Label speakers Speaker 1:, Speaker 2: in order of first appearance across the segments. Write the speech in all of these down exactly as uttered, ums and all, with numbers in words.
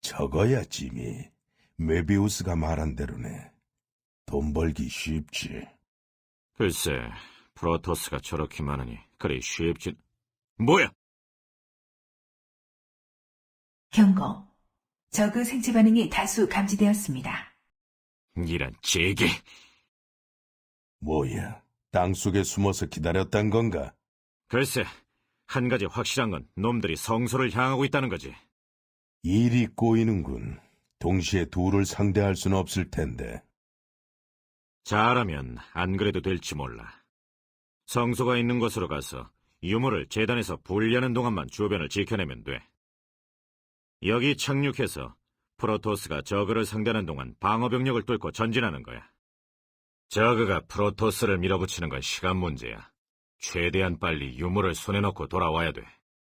Speaker 1: 저거야, 지미. 메비우스가 말한 대로네. 돈 벌기 쉽지.
Speaker 2: 글쎄, 프로토스가 저렇게 많으니 그리 쉽진... 뭐야?
Speaker 3: 경고. 저그 생체 반응이 다수 감지되었습니다.
Speaker 2: 이런 제게...
Speaker 1: 뭐야, 땅속에 숨어서 기다렸단 건가?
Speaker 2: 글쎄, 한 가지 확실한 건 놈들이 성소를 향하고 있다는 거지.
Speaker 1: 일이 꼬이는군. 동시에 둘을 상대할 수는 없을 텐데.
Speaker 2: 잘하면 안 그래도 될지 몰라. 성소가 있는 곳으로 가서 유물을 재단에서 분리하는 동안만 주변을 지켜내면 돼. 여기 착륙해서 프로토스가 저그를 상대하는 동안 방어병력을 뚫고 전진하는 거야. 저그가 프로토스를 밀어붙이는 건 시간 문제야. 최대한 빨리 유물을 손에 넣고 돌아와야 돼.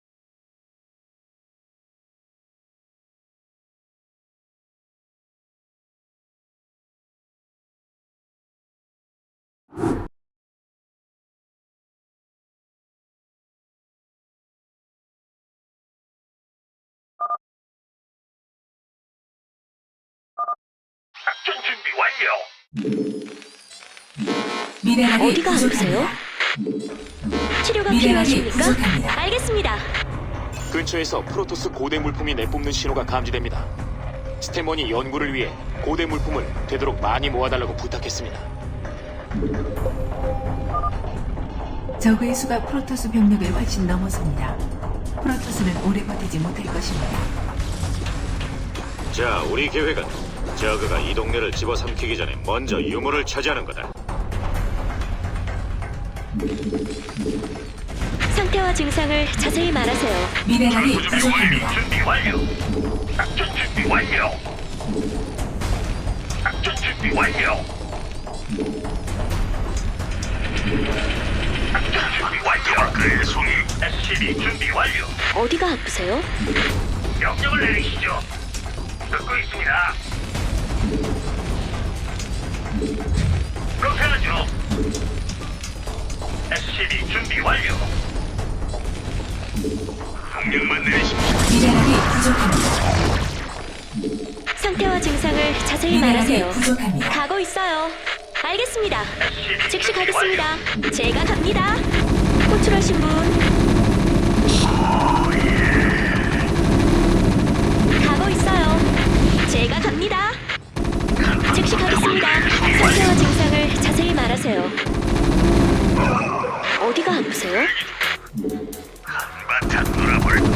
Speaker 4: 작전 준비 완료.
Speaker 3: 미네랄이
Speaker 5: 어디가 아프세요?
Speaker 3: 부족합니다.
Speaker 5: 치료가
Speaker 3: 미네랄이
Speaker 5: 필요하십니까?
Speaker 3: 부족합니다.
Speaker 5: 알겠습니다.
Speaker 6: 근처에서 프로토스 고대 물품이 내뿜는 신호가 감지됩니다. 스테몬이 연구를 위해 고대 물품을 되도록 많이 모아달라고 부탁했습니다.
Speaker 3: 저그의 수가 프로토스 병력을 훨씬 넘어섭니다. 프로토스는 오래 버티지 못할 것입니다.
Speaker 2: 자, 우리 계획은 저그가 이 동네를 집어삼키기 전에 먼저 유물을 차지하는 거다.
Speaker 5: 상태와 증상을 자세히 말하세요.
Speaker 3: 미네랄이
Speaker 4: 준비 완료.
Speaker 3: 부족합니다.
Speaker 4: 준비 완료. 작전 준비 완료. 작전 준비 완료. 작전 준비 완료. 그의 송이. 에스씨비 준비 완료.
Speaker 5: 어디가 아프세요?
Speaker 4: 명령을 내리시죠. 듣고 있습니다. 그렇게 하죠. 에스씨비 준비 완료. 명령만 내리십시오.
Speaker 3: 미네랄이 부족합니다.
Speaker 5: 상태와 증상을 자세히
Speaker 3: 미네랄이
Speaker 5: 말하세요.
Speaker 3: 부족합니다.
Speaker 5: 가고 있어요. 알겠습니다.
Speaker 4: 에스씨비
Speaker 5: 즉시
Speaker 4: 준비 완료.
Speaker 5: 가겠습니다. 제가 갑니다. 호출하신 분. 가고 있어요. 제가 갑니다. 즉시 가겠습니다. 상태와 증상을 자세히 말하세요. 어디가 아프세요?
Speaker 4: 한바탕 놀아볼까?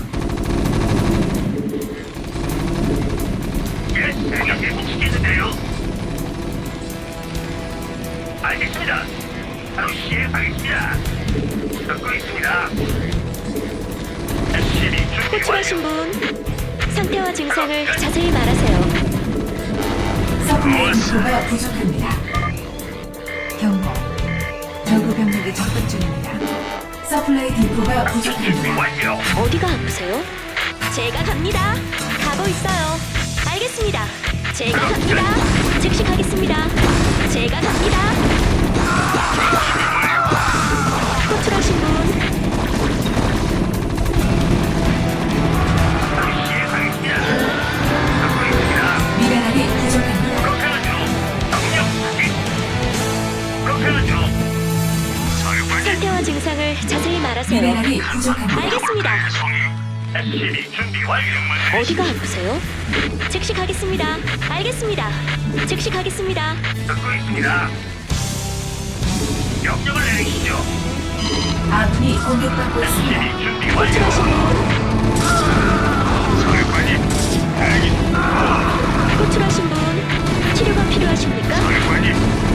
Speaker 4: 예, 생각해 보시겠는데요? 알겠습니다. 바로 시행하겠습니다. 듣고 있습니다. 에스씨비 준비
Speaker 5: 호출하신
Speaker 4: 완료.
Speaker 5: 분. 상태와 증상을 자세히 말하세요.
Speaker 3: 서플라이 디포가 부족합니다. 경고. 저그 병력이 접근 중입니다. 서플라이 디포가
Speaker 4: 준비
Speaker 3: 부족합니다.
Speaker 4: 완료.
Speaker 5: 어디가 아프세요? 제가 갑니다. 가고 있어요. 알겠습니다. 제가 갑니다. 즉시 가겠습니다. 제가 갑니다. 호출하신 분.
Speaker 4: 바로 시행하겠습니다. 듣고 있습니다.
Speaker 3: 미네랄이 부족합니다.
Speaker 4: 그렇게 하죠. 명령 확인. 그렇게 하죠. 사령관님.
Speaker 5: 상태와 증상을 자세히 말하세요.
Speaker 3: 미네랄이 부족합니다.
Speaker 5: 알겠습니다.
Speaker 4: 송이. 에스씨비 준비 완료.
Speaker 5: 어디가 아프세요? 즉시 가겠습니다. 알겠습니다. 즉시 가겠습니다.
Speaker 4: 듣고 있습니다. 명령을 내리시죠.
Speaker 3: 아군이 공격받고 있습니다.
Speaker 4: 에스씨비 준비 완료.
Speaker 5: 호출하신 분.
Speaker 4: 사령관님. 대기.
Speaker 5: 호출하신 분. 치료가 필요하십니까?
Speaker 4: 사령관님.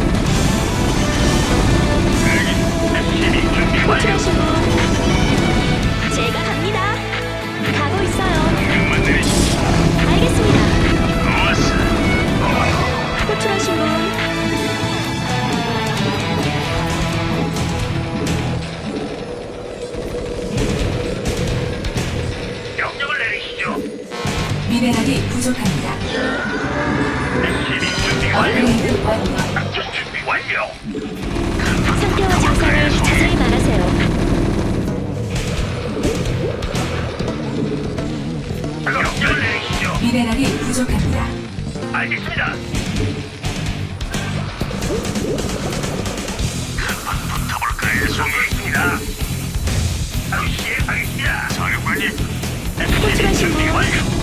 Speaker 4: 대기. 에스씨비 준비 완료.
Speaker 5: 호출하신 분. 제가 갑니다. 가고 있어요.
Speaker 4: 명령만 내리시죠.
Speaker 5: 알겠습니다.
Speaker 4: 좋았어.
Speaker 5: 호출하신 분.
Speaker 4: 명령을 내리시죠.
Speaker 3: 미네랄이 부족합니다.
Speaker 4: 에스씨비 준비 완료.
Speaker 3: 업그레이드 완료.
Speaker 4: 작전 준비 완료.
Speaker 5: 상태와 증상을 자세히 말하세요.
Speaker 4: 명령을 내리시죠.
Speaker 3: 미네랄이 부족합니다.
Speaker 4: 알겠습니다. 한번 붙어볼까요, 송이입니다. 바로 시행하겠습니다. 사령관님,
Speaker 5: 호출하신
Speaker 4: 준비
Speaker 5: 분.
Speaker 4: 완료.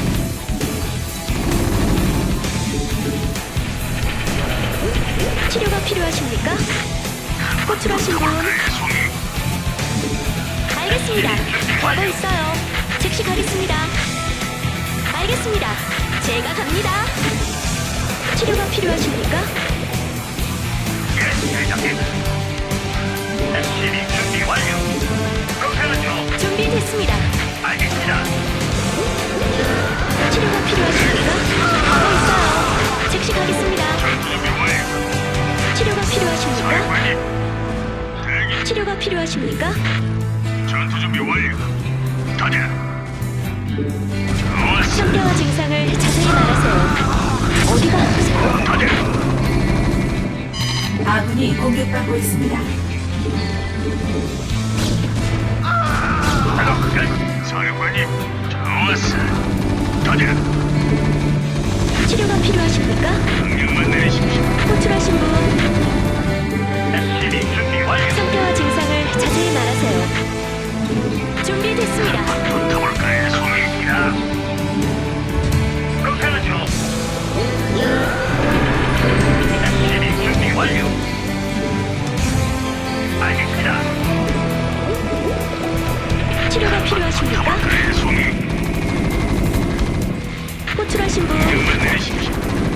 Speaker 5: 치료가 필요하십니까? 호출하신 분.
Speaker 4: 붙어볼까요, 송이?
Speaker 5: 알겠습니다. 가고 있어요. 즉시 가겠습니다. 알겠습니다. 제가 갑니다. 치료가 필요하십니까?
Speaker 4: 예, 대장님. 에스씨비 준비 완료. 그렇게 하죠.
Speaker 5: 준비됐습니다.
Speaker 4: 알겠습니다.
Speaker 5: 치료가 필요하십니까? 가고 있어요. 즉시 가겠습니다.
Speaker 4: 전투 준비 완료.
Speaker 5: 치료가 필요하십니까?
Speaker 4: 사령관님, 대기.
Speaker 5: 치료가 필요하십니까?
Speaker 4: 전투 준비 완료. 가자. 좋았어.
Speaker 5: 상태와 증상을 자세히 말하세요. 어디가 아프세요?
Speaker 4: 가자.
Speaker 3: 아군이 공격받고 있습니다.
Speaker 4: 작업 끝. 사령관님, 좋았어. 가자.
Speaker 5: 치료가 필요하십니까?
Speaker 4: 명령만 내리십시오.
Speaker 5: 호출하신 분.
Speaker 4: 에스씨비 준비 완료.
Speaker 5: 상태와 증상을 자세히 말하세요. 준비됐습니다.
Speaker 4: 붙어볼까요, 송이입니다. 그렇게 하죠. 에스씨비 준비 완료. 알겠습니다.
Speaker 5: 치료가 필요하십니까?
Speaker 4: 붙어볼까요, 송이?
Speaker 5: 호출하신 분.
Speaker 4: 명령만 내리십시오.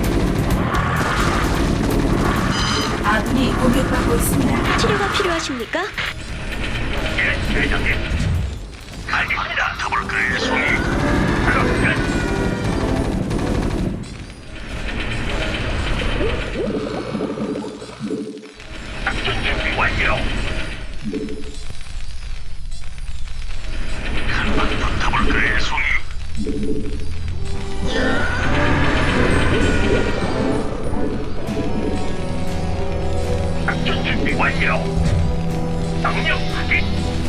Speaker 3: 아군이 공격받고 있습니다.
Speaker 5: 치료가 필요하십니까?
Speaker 4: 예, 대장님. 알겠습니다. 붙어볼까요, 송이? 작업 끝. 작전 준비 완료. 한번 붙어볼까요, 송이? 작전 준비 완료. 명령 확인.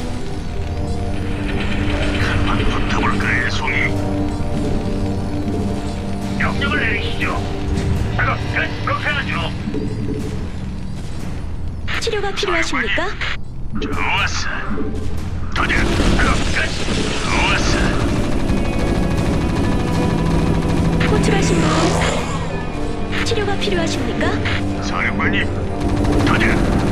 Speaker 4: 한번 붙어볼까요, 송이? 명령을 내리시죠. 작업 끝. 그렇게 하죠.
Speaker 5: 치료가 필요하십니까?
Speaker 4: 좋았어. 도전. 작업 끝. 좋았어.
Speaker 5: 호출하신 분. 치료가 필요하십니까?
Speaker 4: 사령관님, 도전.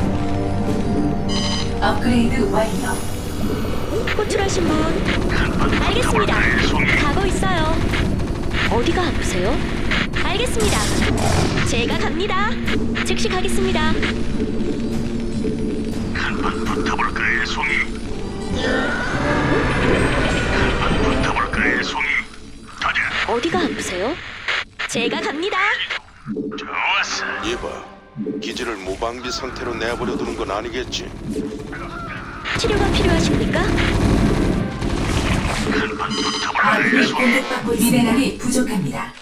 Speaker 3: 업그레이드 완료.
Speaker 5: 호출하신 분.
Speaker 4: 한번
Speaker 5: 알겠습니다.
Speaker 4: 붙어볼까요, 송이?
Speaker 5: 가고 있어요. 어디가 아프세요? 알겠습니다. 제가 갑니다. 즉시 가겠습니다.
Speaker 4: 한번 붙어볼까요, 송이? 한번 붙어볼까요, 송이? 도전.
Speaker 5: 어디가 아프세요? 제가 갑니다.
Speaker 4: 좋았어.
Speaker 1: 이봐, 기지를 무방비 상태로 내버려 두는 건 아니겠지?
Speaker 5: 치료가 필요하십니까?
Speaker 4: 한번 붙어볼까요,
Speaker 3: 아군이
Speaker 4: 송이?
Speaker 3: 공격받고 있습니다. 미네랄이 부족합니다.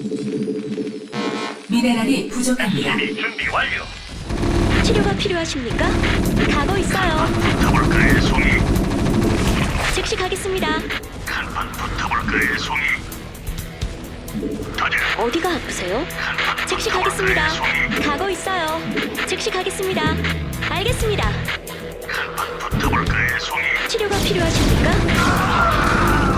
Speaker 3: 미네랄이 부족합니다.
Speaker 4: 준비 준비 완료.
Speaker 5: 치료가 필요하십니까? 가고 있어요.
Speaker 4: 붙어볼까요, 송이?
Speaker 5: 즉시 가겠습니다.
Speaker 4: 한번 붙어볼까요, 송이? 도전.
Speaker 5: 어디가 아프세요?
Speaker 4: 한번
Speaker 5: 즉시
Speaker 4: 붙어볼까요,
Speaker 5: 가겠습니다.
Speaker 4: 송이?
Speaker 5: 가고 있어요. 즉시 가겠습니다. 알겠습니다.
Speaker 4: 한번 붙어볼까요, 송이?
Speaker 5: 치료가 필요하십니까?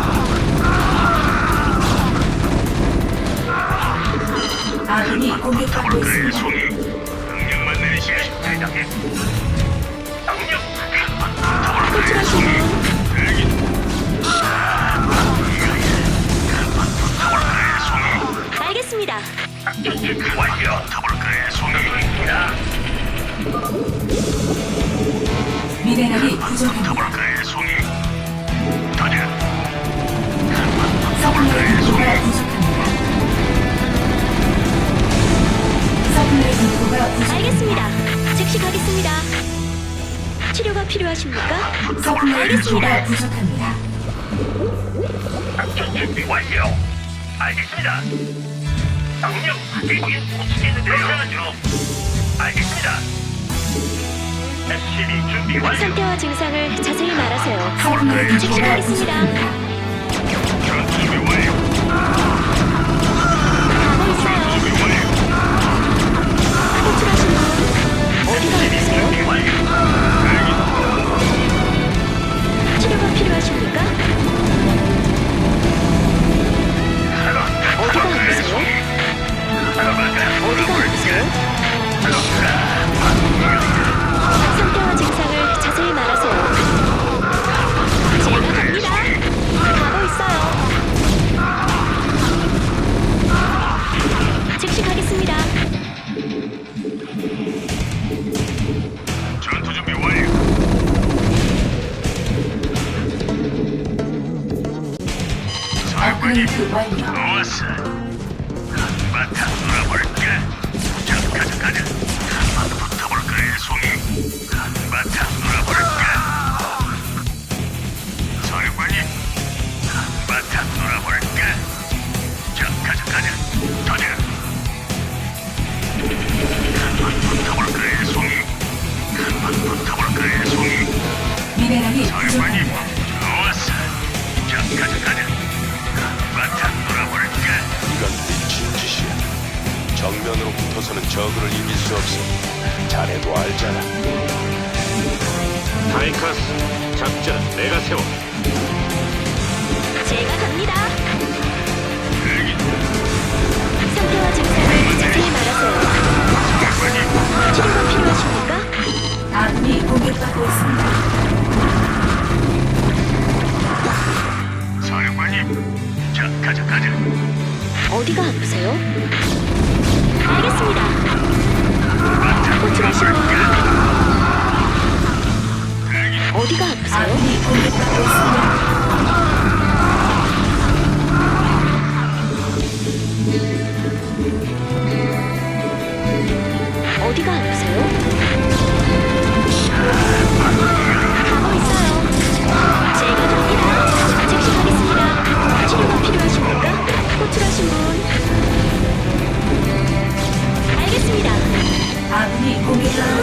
Speaker 3: 아군이 공격받고
Speaker 4: 붙어볼까요,
Speaker 3: 있습니다.
Speaker 4: 송이? 명령만 내리시오, 대장님. 명령. 한번 붙어볼까요,
Speaker 5: 호출하신
Speaker 4: 송이?
Speaker 5: 분.
Speaker 4: 대기. 한번 붙어볼까요, 송이?
Speaker 5: 알겠습니다.
Speaker 4: 작전 준비 완료. 붙어볼까요, 송이? 있습니다.
Speaker 3: 미네랄이 부족합니다.
Speaker 4: 붙어볼까요, 송이? 도전.
Speaker 3: 서플라이 인구가 부족합니다. 서플라이 인구가 부족.
Speaker 5: 알겠습니다. 즉시 가겠습니다. 치료가 필요하십니까?
Speaker 3: 서플라이
Speaker 5: 알겠습니다.
Speaker 3: 인구가 부족합니다.
Speaker 4: 작전 준비 완료. 알겠습니다. 명령 확인. 못치겠는데요. 하죠. 알겠습니다. 에스씨비 준비 완료.
Speaker 5: 상태와 증상을 자세히 말하세요.
Speaker 3: 서플라이
Speaker 5: 즉시
Speaker 3: 인구가
Speaker 5: 가겠습니다.
Speaker 3: 부족합니다.
Speaker 4: 전투 준비 완료.
Speaker 3: 업그레이드 완료.
Speaker 4: 좋았어. 한바탕 놀아볼까? 자, 가자, 가자. 한번 붙어볼까, 송이? 한바탕 놀아볼까? 사령관님, 한바탕 놀아볼까? 자, 가자, 가자. 가자. 한번 붙어볼까, 송이? 한번 붙어볼까, 송이?
Speaker 3: 미네랄이
Speaker 4: 사령관님,
Speaker 3: 부족합니다.
Speaker 4: 좋았어. 자, 가자, 가자. 한바탕 놀아볼까?
Speaker 1: 이건 미친 짓이야. 정면으로 붙어서는 저그를 이길 수 없어. 자네도 알잖아.
Speaker 2: 타이카스, 작전은 내가 세워.
Speaker 5: 제가 갑니다.
Speaker 4: 대기 중.
Speaker 5: 상태와 증상을 자세히 말하세요.
Speaker 4: 사령관님,
Speaker 5: 치료가 필요하십니까?
Speaker 3: 아군이 공격받고 있습니다.
Speaker 4: 사령관님. 자, 가자, 가자.
Speaker 5: 어디가 아프세요? 알겠습니다. 호출하신 분 어디가 아프세요?
Speaker 3: 아군이 공격받고 있습니다.
Speaker 5: 어디가 아프세요? 가고 있어요. 제가 갑니다. 즉시 가겠습니다. 치료가 필요하십니까? 호출하신 분 알겠습니다.
Speaker 3: 아군이 공격받고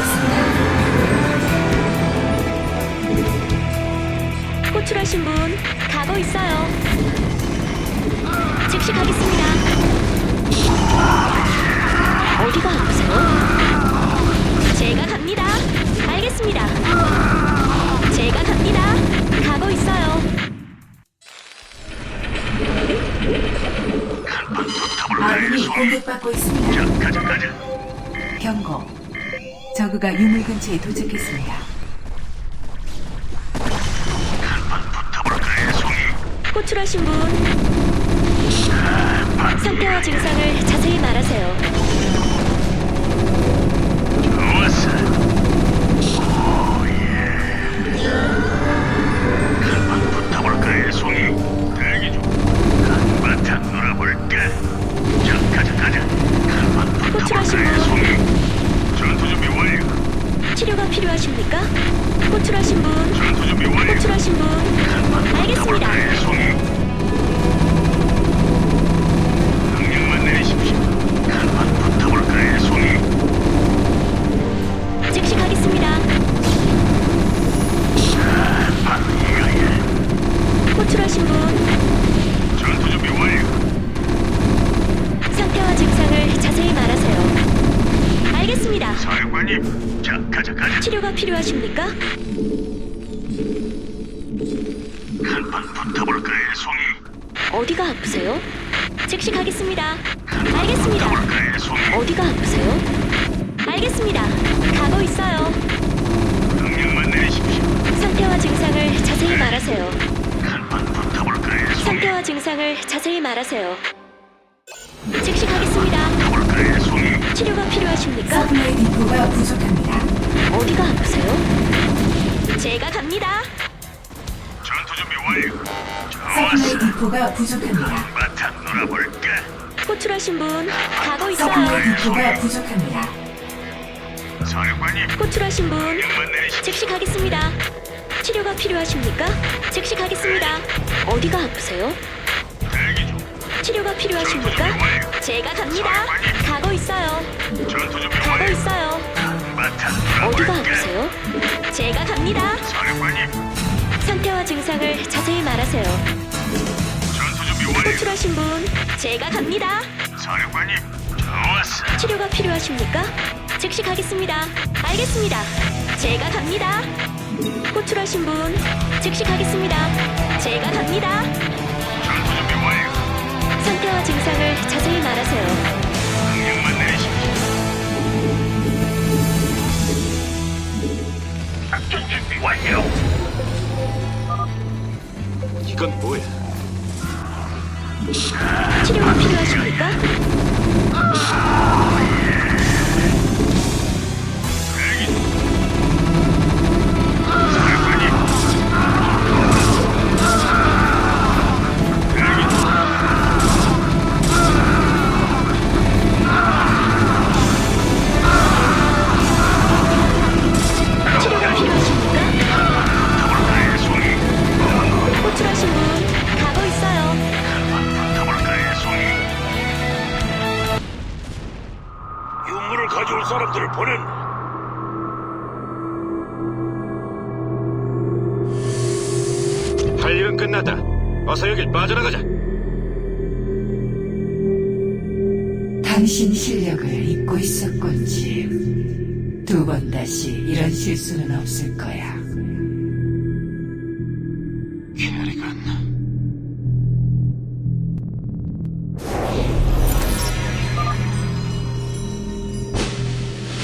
Speaker 3: 있습니다.
Speaker 5: 호출하신 분 가고 있어요. 즉시 가겠습니다. 어디가 아프세요? 제가 갑니다. 알겠습니다. 제가 갑니다. 가고 있어요.
Speaker 3: 아군이 공격받고 있습니다.
Speaker 4: 자, 가자, 가자.
Speaker 3: 경고. 저그가 유물 근처에 도착했습니다.
Speaker 4: 붙어볼까, 송이?
Speaker 5: 호출하신 분 상태와 증상을 자세히 말하세요.
Speaker 4: 좋았어. 오예. 한번 붙어볼까, 송이? 대기 중. 한바탕 놀아볼까? 자, 가자, 가자. 한번
Speaker 5: 호출하신
Speaker 4: 붙어볼까,
Speaker 5: 분.
Speaker 4: 송이? 전투 준비 완료.
Speaker 5: 치료가 필요하십니까? 호출하신 분
Speaker 4: 전투 준비 완료.
Speaker 5: 호출하신 분 알겠습니다.
Speaker 4: 붙어볼까, 송이? 명령만 내리십시오. 한번 붙어볼까, 송이?
Speaker 5: 즉시 가겠습니다.
Speaker 4: 바로 이거야.
Speaker 5: 호출하신 분
Speaker 4: 전투 준비 완료.
Speaker 5: 상태와 증상을 자세히 말하세요. 알겠습니다.
Speaker 4: 사령관님, 자, 가자, 가자.
Speaker 5: 치료가 필요하십니까?
Speaker 4: 한번 붙어볼까, 송이?
Speaker 5: 어디가 아프세요? 즉시 가겠습니다. 알겠습니다.
Speaker 4: 붙어볼까, 송이?
Speaker 5: 어디가 아프세요? 알겠습니다. 가고 있어요.
Speaker 4: 명령만 내리십시오.
Speaker 5: 상태와 증상을 자세히 말하세요.
Speaker 4: 한번 붙어볼까, 송이?
Speaker 5: 상태와 증상을 자세히 말하세요. 즉시 가겠습니다.
Speaker 4: 붙어볼까, 송이?
Speaker 5: 치료가 필요하십니까?
Speaker 3: 서플라이 디포가 부족합니다.
Speaker 5: 어디가 아프세요? 제가 갑니다.
Speaker 4: 전투 준비 완료.
Speaker 3: 서플라이
Speaker 4: 좋았어.
Speaker 3: 디포가 부족합니다.
Speaker 4: 바탕 놀아볼까?
Speaker 5: 호출하신 분 가고
Speaker 3: 서플라이
Speaker 5: 있어요.
Speaker 3: 디포가 부족합니다.
Speaker 4: 사령관님,
Speaker 5: 호출하신 분
Speaker 4: 명령만 내리십시오.
Speaker 5: 즉시 가겠습니다. 치료가 필요하십니까? 즉시 가겠습니다. 어디가 아프세요?
Speaker 4: 대기 중.
Speaker 5: 치료가 필요하십니까? 제가 갑니다. 가고 있어요.
Speaker 4: 전투 준비
Speaker 5: 가고
Speaker 4: 완료.
Speaker 5: 있어요.
Speaker 4: 바탕
Speaker 5: 어디가
Speaker 4: 놀아볼까?
Speaker 5: 아프세요? 제가 갑니다.
Speaker 4: 사령관님,
Speaker 5: 상태와 증상을 자세히 말하세요.
Speaker 4: 전투 준비 완료.
Speaker 5: 호출하신 분 제가 갑니다.
Speaker 4: 사령관님, 좋았어.
Speaker 5: 치료가 필요하십니까? 즉시 가겠습니다. 알겠습니다. 제가 갑니다. 호출하신 분 즉시 가겠습니다. 제가 갑니다.
Speaker 4: 전투 준비 완료.
Speaker 5: 상태와 증상을 자세히 말하세요.
Speaker 4: 명령만 내리십시오. 작전 준비 완료.
Speaker 2: 이건 뭐야?
Speaker 5: 치료가 필요하십니까?
Speaker 4: 대기 중. 사령관님. 대기 중. 도와줄 사람들을 보낸다.
Speaker 2: 할 일은 끝났다. 어서 여길 빠져나가자.
Speaker 3: 당신 실력을 잊고 있었군, 짐. 두 번 다시 이런 실수는 없을 거야.
Speaker 2: 캐리건,